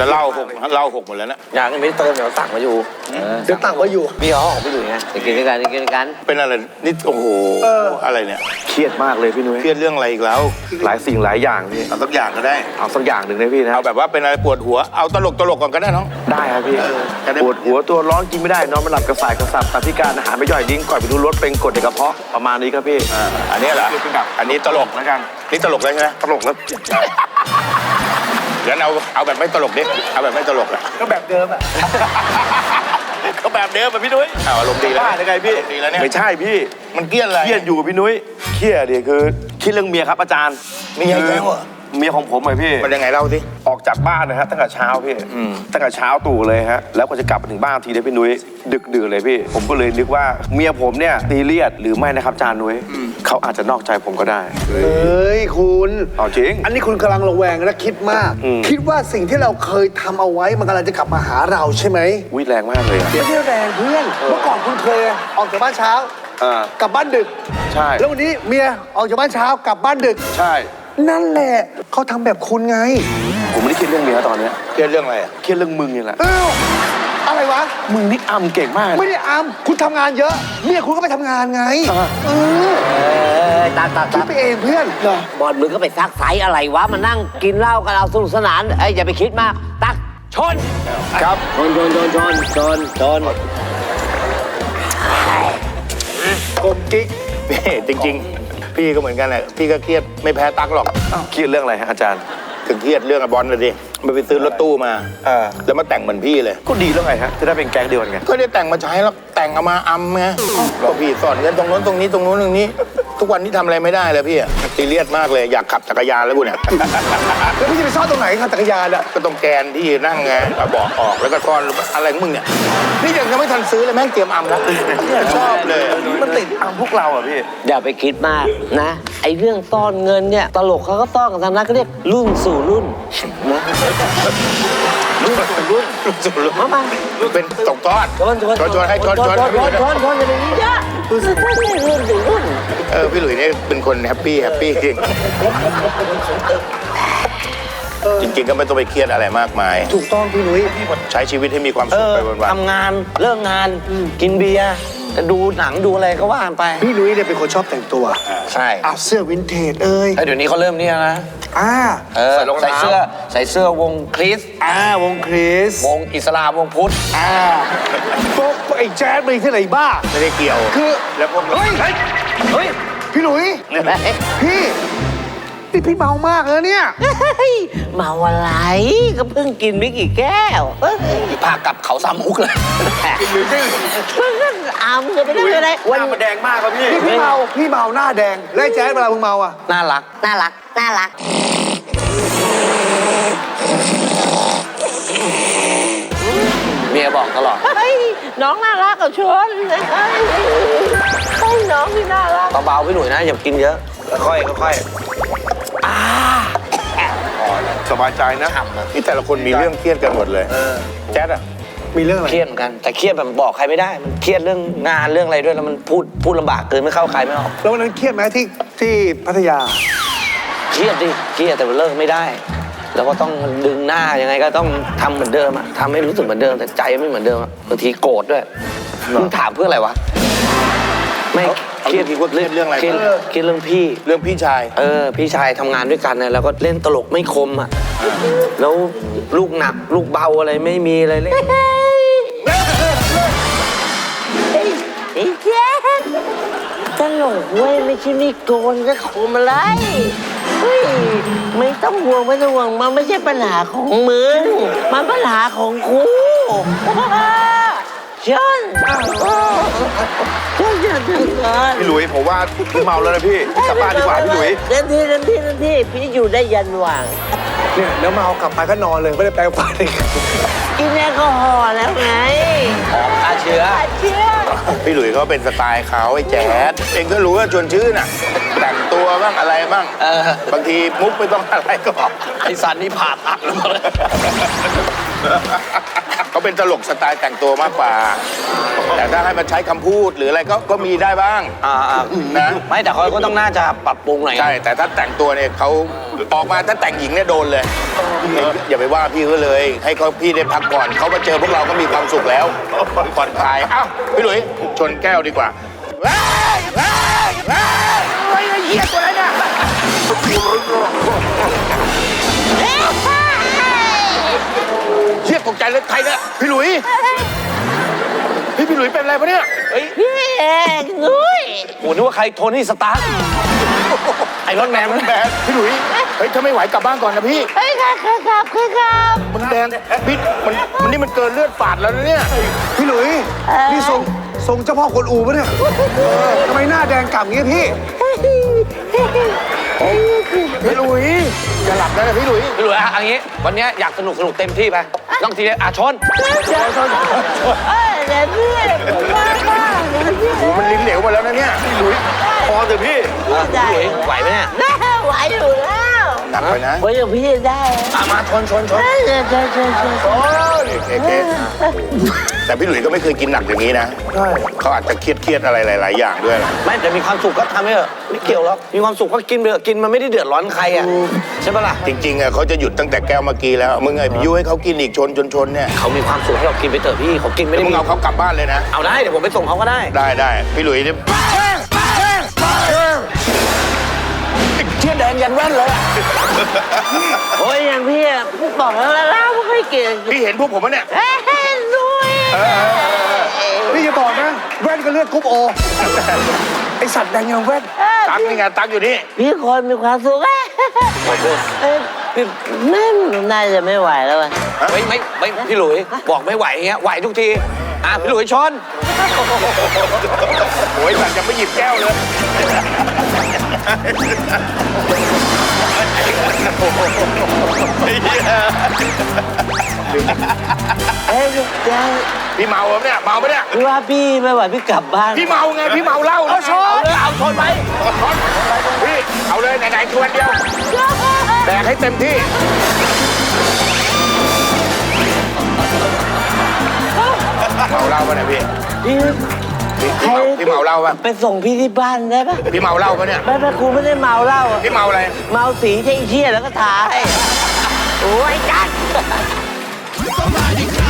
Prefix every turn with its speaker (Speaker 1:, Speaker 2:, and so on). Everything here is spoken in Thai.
Speaker 1: แต่เหล้าหกหมดแล้วนะ
Speaker 2: อย่างนี้ไม่ได้เติมเดี๋ยวสั่งมาอยู่
Speaker 3: เดี๋ยวตั้งไว้อยู่
Speaker 2: พี่เขาของพี่หลุยไงกินด้วยกันกินด้วยกัน
Speaker 1: เป็นอะไรนี่โอ้โหอะไรเนี่ย
Speaker 4: เครียดมากเลยพี่นุ้ย
Speaker 1: เครียดเรื่องอะไรอีกแล้ว
Speaker 4: หลายสิ่งหลายอย่างพี่
Speaker 1: เอาสักอย่างก็ได้
Speaker 4: เอาสักอย่างหนึ่งได้พี่นะ
Speaker 1: เอาแบบว่าเป็นอะไรปวดหัวเอาตลกก่อนก็ได้น้อง
Speaker 4: ได้ครับพี่ปวดหัวตัวร้อนกินไม่ได้นอนไม่หลับกระสายกระสับตับพิการอาหารไม่ย่อยดิ้งก่อนไปดูรถเป็นกรดในกระเพาะประมาณนี้ครับพี่
Speaker 1: อันนี้เหรออันนี้ตลก
Speaker 4: แล้วกัน
Speaker 1: นี่ตลกเลยใช่ไหม
Speaker 4: ตลกแล้ว
Speaker 1: งั้นเอาแบบไม่ตลกดิเอาแบบไม่ตลกอะ
Speaker 3: ก็แบบเดิมอ่ะ
Speaker 1: ก็แบบเดิมอะพี่นุ้ยอารมณ์ดีแล้ว
Speaker 4: ได้ไงพี่
Speaker 1: ดีแล้วเนี่ย
Speaker 4: ไม่ใช่พี่
Speaker 1: มันเครียดอะไร
Speaker 4: เครียดอยู่พี่นุ้ยเครียดเดี๋ยวคือคิดเรื่องเมียครับอาจารย์
Speaker 1: มีอะไรแล้วอะ
Speaker 4: เมียของผมเลยพี่
Speaker 1: มันยังไงเล่าสิ
Speaker 4: ออกจากบ้านนะฮะตั้งแต่เช้าพี่ตั้งแต่เช้าตู่เลยฮะแล้วก็จะกลับมาถึงบ้านทีเดียวพี่นุ้ยดึกดื่นเลยพี่ผมก็เลยนึกว่าเมียผมเนี่ยซีเรียสหรือไม่นะครับอาจารย์นุ้ยเขาอาจจะนอกใจผมก็ได้
Speaker 3: เฮ้ยคุณ
Speaker 4: เอาจริง
Speaker 3: อันนี้คุณกำลังระแวงและคิดมากคิดว่าสิ่งที่เราเคยทำเอาไว้มันกำลังจะกลับมาหาเราใช่ไหม
Speaker 4: วิแรงมากเลย
Speaker 3: ไม่ใช่แรงเพื่อนเมื่อก่อนคุณเคยออกจากบ้านเช้ากลับบ้านดึก
Speaker 4: ใช่
Speaker 3: แล้ววันนี้เมียออกจากบ้านเช้ากลับบ้านดึก
Speaker 4: ใช่
Speaker 3: นั่นแหละเขาทำแบบคุณไง
Speaker 4: ผมไม่ได้คิดเรื่องเมียตอนนี้
Speaker 1: เครียดเรื่องอะไร
Speaker 4: เครียดเรื่องมึงนี่แหละ
Speaker 3: อะไรวะ
Speaker 4: มึงนี่อำเก่งมาก
Speaker 3: ไม่ได้อำคุณทำงานเยอะเมียคุณก็ไปทำงานไง
Speaker 2: ตัก
Speaker 3: คิดไปเองเพื่อน
Speaker 2: บอลมึงก็ไปซักไซอะไรวะมานั่งกินเหล้ากันเอาสนุกสนานอย่าไปคิดมากตักชน
Speaker 4: ครับ
Speaker 2: ชน
Speaker 3: กมกิ๊ก
Speaker 1: จริงๆพี่ก็เหมือนกันแหละพี่ก็เครียดไม่แพ้ตั๊กหรอก
Speaker 4: เครียดเรื่องอะไรฮะอาจารย์
Speaker 1: ถึงเครียดเรื่องบอลเลยดิไปซื้อรถตู้มาแล้วมาแต่งเหมือนพี่เลย
Speaker 4: ก็ดีแล้วไงฮะจะได้เป็นแก๊งเดียวกันไง
Speaker 1: ก็ได้แต่งมาใช้แล้วแต่งเอามาอำไงก็พี่สอนกันตรงโน้นตรงนี้ตรงโน้นตรงนี้ทุกวันนี้ทำอะไรไม่ได้เลยพี่ซีเรียสมากเลยอยากขับจักรยานแล้วกูเนี่ย
Speaker 3: แล้วพี่จะไปซ่อนตรงไหนครับจักรยานอ่ะ
Speaker 1: ก็ตรงแกนที่นั่งไงเบาะออกแล้วก็ซ่อนอะไรของมึงเนี่ยนี่ยังไม่ทันซื้อเลยแม่งเตรียมอำแล้วชอบเลย
Speaker 4: มันติดอำพวกเราอ่ะพี่
Speaker 2: อย่าไปคิดมากนะไอ้เรื่องซ่อนเงินเนี่ยตลกเขาก็ซ่อนกันทางนั้นก็เรียกรุ่นสู่รุ่นนะรุ่นมา
Speaker 1: เป็นตกทอดชนให้ชน
Speaker 2: อย่าไปนี้เยอะรุ่นสู่รุ่น
Speaker 1: พี่หลุยนี่เป็นคนแฮปปี้จริงๆก็ไม่ต้องไปเครียดอะไรมากมาย
Speaker 3: ถูกต้องพี่หนุ่ย
Speaker 1: ใช้ชีวิตให้มีความสุขไปวัน
Speaker 2: ๆทำงานเลิกงานกินเบียร์ดูหนังดูอะไรก็ว่าไป
Speaker 3: พี่หนุ่ยเนี่ยเป็นคนชอบแต่งตัว
Speaker 2: ใช่
Speaker 3: เอาเสื้อวินเทจ
Speaker 2: เดี๋ยวนี้เขาเริ่มเนี่ยนะใส่เสื้อวงคริส
Speaker 3: วงคริส
Speaker 2: วงอิสลามวงพุทธ
Speaker 3: ไอ้แจ๊ดไปที่ไหนบ้า
Speaker 1: ไม่ได้เกี่ยว
Speaker 3: คือ
Speaker 1: แล้วพวก
Speaker 3: เฮ้ยพี่หนุ่ยพี่เมามากเลยเนี่ย
Speaker 2: เมาอะไรก็เพิ่งกินไม่กี่แก้วพากับเขาสามมุกเลย
Speaker 3: กินหรือไม่
Speaker 2: เพิ่งจะไปได้อะไร
Speaker 4: วันมันแดงมากครับ
Speaker 3: พี่เมาหน้าแดงแล้วแจ๊ดเวลามึงเมาอ่ะ
Speaker 2: น่ารักเมียบอกตลอดน้องน่ารักกับชวนน้องพี่น่ารักเบาๆพี่หนุ่ยนะอย่ากินเยอะค่อย
Speaker 4: สบายใจนะ
Speaker 1: นี่แต่ละคนมีเรื่องเครียดกันหมดเลยแจ๊ดอะ
Speaker 3: มีเรื่องอะไร
Speaker 2: เครียดเหมือนกันแต่เครียดแบบบอกใครไม่ได้มันเครียดเรื่องงานเรื่องอะไรด้วยแล้วมันพูดลำบากเกินไม่เข้าใครไม่ออก
Speaker 3: แล้ววันนั้นเครียดไหมที่พัทยา
Speaker 2: เครียดแต่มันเลิกไม่ได้แล้วก็ต้องดึงหน้ายังไงก็ต้องทำเหมือนเดิมอะทำให้รู้สึกเหมือนเดิมแต่ใจไม่เหมือนเดิมบางทีโกรธด้วยมึงถามเพื่ออะไรวะไม่เครียด
Speaker 1: เรื่องอะไร
Speaker 2: เครียดเรื่อง
Speaker 1: พี่ชาย
Speaker 2: พี่ชายทำงานด้วยกันนะแล้วก็เล่นตลกไม่คมอ่ะแล้วลูกหนักลูกเบาอะไรไม่มีอะไรเลยไอ้แจ๊คตลกเว้ยไม่ใช่มีโกนจะคมอะไรเฮ้ยไม่ต้องห่วงมันไม่ใช่ปัญหาของมึงมันปัญหาของกูฉันอย่าทำงาน
Speaker 4: พี่หลุยผมว่าพี่เมาแล้วนะพี่กลับบ้านดีกว่าพี่หลุย
Speaker 2: เต็มที่พี่อยู่ได้ยันว่าง
Speaker 3: เนี่ยแล้วเมากลับไปก็นอนเลยไม่ได้แปรงฟันเลย
Speaker 2: กินแอลกอฮอล์แล้วไงฆ่าเชื้อ
Speaker 1: พี่หลุยเขาเป็นสไตล์เขาไอ้แจ๊ดเองก็รู้ว่าชวนชื่นน่ะแต่งตัวบ้างอะไรบ้างบางทีมุกไม่ต้องอะไรก็
Speaker 2: ไอ้สันนี่ผ่าตัดเลย
Speaker 1: เขาเป็นตลกสไตล์แต่งตัวมากกว่าแต่ถ้าให้มันใช้คำพูดหรืออะไรก็มีได้บ้าง
Speaker 2: นะไม่แต่เขาก็ต้องน่าจะปรับปรุงหน่อย
Speaker 1: ใช่แต่ถ้าแต่งตัวเนี่ยเขาออกมาถ้าแต่งหญิงเนี่ยโดนเลยอย่าไปว่าพี่ก็เลย ให้เขาพี่ได้พักก่อนเขามาเจอพวกเราก็มีความสุขแล้วผ่อนคลายเอ้าพี่หลุยชนแก้วดีกว่าเฮ้ยเฮ้ยเฮ้ยไอ้เหี้ยตัวไหนเนี่ยเชี่ยตกใจเลยใครเนี่ยพี่หลุยพี่หลุยเป็นอะไรปะเนี่ยเฮ้ย
Speaker 2: พี่เอกนุ้ย
Speaker 5: โอ้นึกว่าใครโทนี่สตาร์ไอรอนแมนมัน
Speaker 1: แบนพี่หลุยเฮ้ยถ้าไม่ไหวกลับบ้านก่อนนะพี่
Speaker 2: เฮ้ยครับ
Speaker 1: มันแดงพี่มันนี่มันเกินเลือดฝาดแล้วนะเนี่ย
Speaker 3: พี่หลุยนี่ทรงเจ้าพ่อกวนอูปะเนี่ยทำไมหน้าแดงก่ำอย่างเงี้ยพี่
Speaker 1: พี่หลุยอย่าหลับนะพี่หลุย
Speaker 5: พี่หลุยอะอย่างงี้ วันเนี้ยอยากสนุกเต็มที่ไปต้องทีเดียวชน
Speaker 2: เดี๋ยวพี่ผมว่าบ้างเดี๋ยวพี่
Speaker 1: โอ้มันลิ้นเหลวหมาแล้วนะเนี่ยพี่หลุย
Speaker 4: พอเถอะพี่
Speaker 2: ได้
Speaker 5: ไหวไหมเนี่ย
Speaker 2: ไหวอยู่แล้ว
Speaker 1: หนักไปนะ
Speaker 2: ไหวอยู่พี่ได้
Speaker 5: มาชน
Speaker 2: เดี๋ยว
Speaker 1: แต่พี่หลุยก็ไม่เคยกินหนักอย่างนี้นะเขาอาจจะเครียดอะไรหลายๆอย่างด้วย
Speaker 5: ไม่แต่มีความสุขก็ทำให้เถอะไม่เกี่ยวหรอกมีความสุขก็กินไปเถอะกินมันไม่ได้เดือดร้อนใครอ่ะใช่ปะล่ะ
Speaker 1: จริงๆอ่ะเขาจะหยุดตั้งแต่แก้วเมื่อกี้แล้วมึงไอ้ยุให้เขากินอีกชนเนี่ย
Speaker 5: เขามีความสุขให้เรากินไปเถอะพี่เขากินไม่
Speaker 1: แล้ว
Speaker 5: ได้
Speaker 1: มึง
Speaker 5: มี
Speaker 1: เอาเขากลับบ้านเลยนะ
Speaker 5: เอาได้เดี๋ยวผมไปส่งเขาก็ได้
Speaker 1: ได้พี่หลุยเนี่ย
Speaker 5: เชี่ยแดงยันแว่นเลยอะ
Speaker 2: โอ้ยอย่างพี่บอกแล้วไม่ค่อยเก่ง
Speaker 1: พี่เห็นพวกผมไหมเนี่ย
Speaker 2: นุ้ย
Speaker 3: นี่อย่าบอกนะแว่นก็เลือดกรุ๊ปโอไอสัตว์แดงยังแว่น
Speaker 1: ตั๊กนี่ไงตั๊กอยู่นี่
Speaker 2: พี่คนมีความสุขพี่แม่น่าจะไม่ไหวแล้วอ่ะ
Speaker 5: ไม่พี่หลุยบอกไม่ไหวเงี้ยไหวทุกทีพี่หลุยชน
Speaker 1: โอ้ยสัตว์ยังไม่หยิบแก้วเลย พี่เมาปะเนี่ยเมาปะเนี่ย
Speaker 2: พี่ว่าพี่ไม่ไหวพี่กลับบ้าน
Speaker 1: พี่เมาไงพี่เมาเหล้าเอาชน
Speaker 5: เอาชนไหม
Speaker 1: พี่เอาเลยไหนๆชวนเดียวแดกให้เต็มที่เมาเหล้าปะเนี่ยพี่ พี่เมาเหล้าปะ
Speaker 2: ไปส่งพี่ที่บ้านได้ปะ
Speaker 1: พี่เมาเหล้าปะเนี่ย
Speaker 2: ไม่ครูไม่ได้เมาเหล้าอะ
Speaker 1: พี่เมาอะไร
Speaker 2: เมาสีใช่เชี่ยแล้วก็ถ่ายโอ้ยจัด